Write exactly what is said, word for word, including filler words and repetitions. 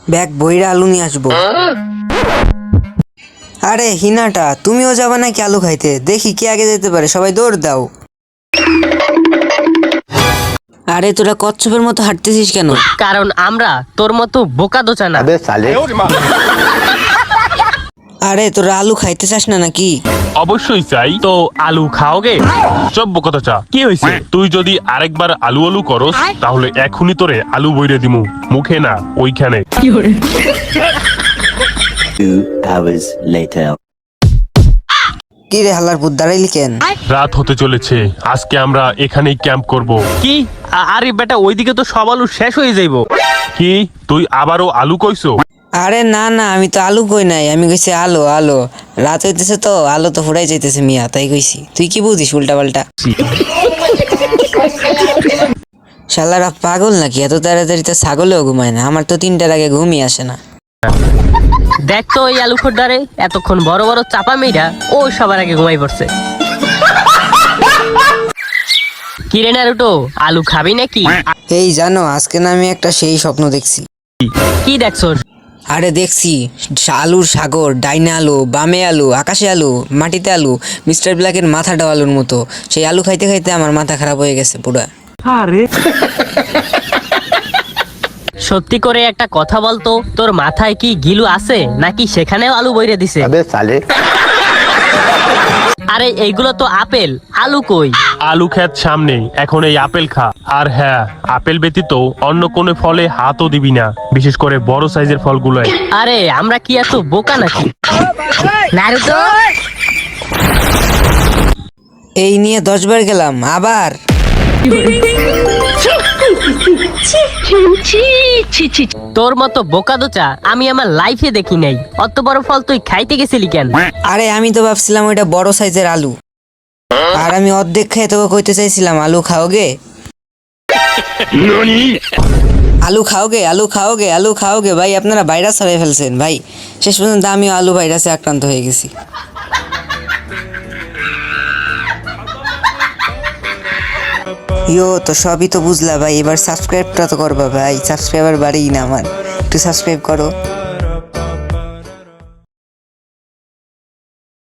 Bag বইরা আলু নিয়ে আসবো। আরে হিনাটা, তুমিও যাবা নাকি আলু খাইতে? দেখি কে আগে যেতে পারে, সবাই দৌড় দাও। আরে তোরা কচ্ছপের মতো হাঁটতেছিস কেন? কারণ আমরা তোর মতো বোকা দোচা না। আরে তোরা আলু খাইতে চাস না নাকি? অবশ্যই চাই। তো আলু খাওগে? চব্য কথা চা, কি হয়েছে? তুই যদি আরেকবার আলু আলু করস তাহলে এখনই তোরে আলু বইরে দিমু, মুখে না ওইখানে। Two hours later. কি রে হালার পুত, দাঁড়াইলি কেন? রাত হতে চলেছে, আজকে আমরা এখানেই ক্যাম্প করব। কি? আ- আরে বেটা, ওইদিকে তো সব আলু শেষ হয়ে যাইবো। কি তুই আবারও আলু কইছো? আরে না না, আমি তো আলু কই নাই, আমি কইছি আলো আলো। রাত হইতেছে তো আলো তো ফুরাই যাইতেছে মিয়া, তাই কইছি। তুই কি বুঝিস উল্টা পাল্টা? শালারা পাগল নাকি? এত তাড়াতাড়ি তো ছাগলেও ঘুমায় না। আমার তো তিনটার আগে ঘুমই আসে না। দেখ তো ওই আলু খোরদারে এতক্ষণ বড় বড় চাপা মেয়েরা ও সবার আগে ঘুমাই পড়ছে। কিরে নারুটো, আলু খাবি নাকি? এই জানো, আজকে না আমি একটা সেই স্বপ্ন দেখছি। কি দেখছো? আরে দেখছি আলুর সাগর, ডাইনে আলু, বামে আলু, আকাশে আলু, মাটিতে আলু, মিস্টার ব্ল্যাকের মাথাটা আলুর মতো। সেই আলু খাইতে খাইতে আমার মাথা খারাপ হয়ে গেছে পুরা। সত্যি করে একটা কথা বলতো, তোর মাথায় কি গিলু আছে নাকি সেখানেও আলু বইরে দিছে? আরে এইগুলো তো আপেল, আলু কই? আলু খেত সামনে, এখন এই আপেল খা। আর হ্যাঁ, আপেল ব্যতীত অন্য কোনো ফলে হাতও দিবি না, বিশেষ করে বড় সাইজের ফলগুলোয়। আরে আমরা কি এত বোকা নাকি? নারুতো, এই নিয়ে দশ বার গেলাম আবার। তোর মতো বোকা দোচা আমি আমার লাইফে দেখি নাই। অত বড় ফল তুই খাইতে গেছিলি কেন? আরে আমি তো ভাবছিলাম ওইটা বড় সাইজের আলু, আর আমি অর্ধেক খেয়ে তোকে কইতে চাইছিলাম আলু খাওগে, আলু খাওগে, আলু খাওগে, আলু খাওগে। ভাই আপনারা ভাইরাস হয়ে ফেলছেন ভাই। শেষ পর্যন্ত আমিও আলু ভাইরাসে আক্রান্ত হয়ে গেছি। ইয়ো তো সবই তো বুঝলা ভাই, এবার সাবস্ক্রাইবটা তো করবা ভাই। সাবস্ক্রাইবার বাড়েই না আমার, একটু সাবস্ক্রাইব করো।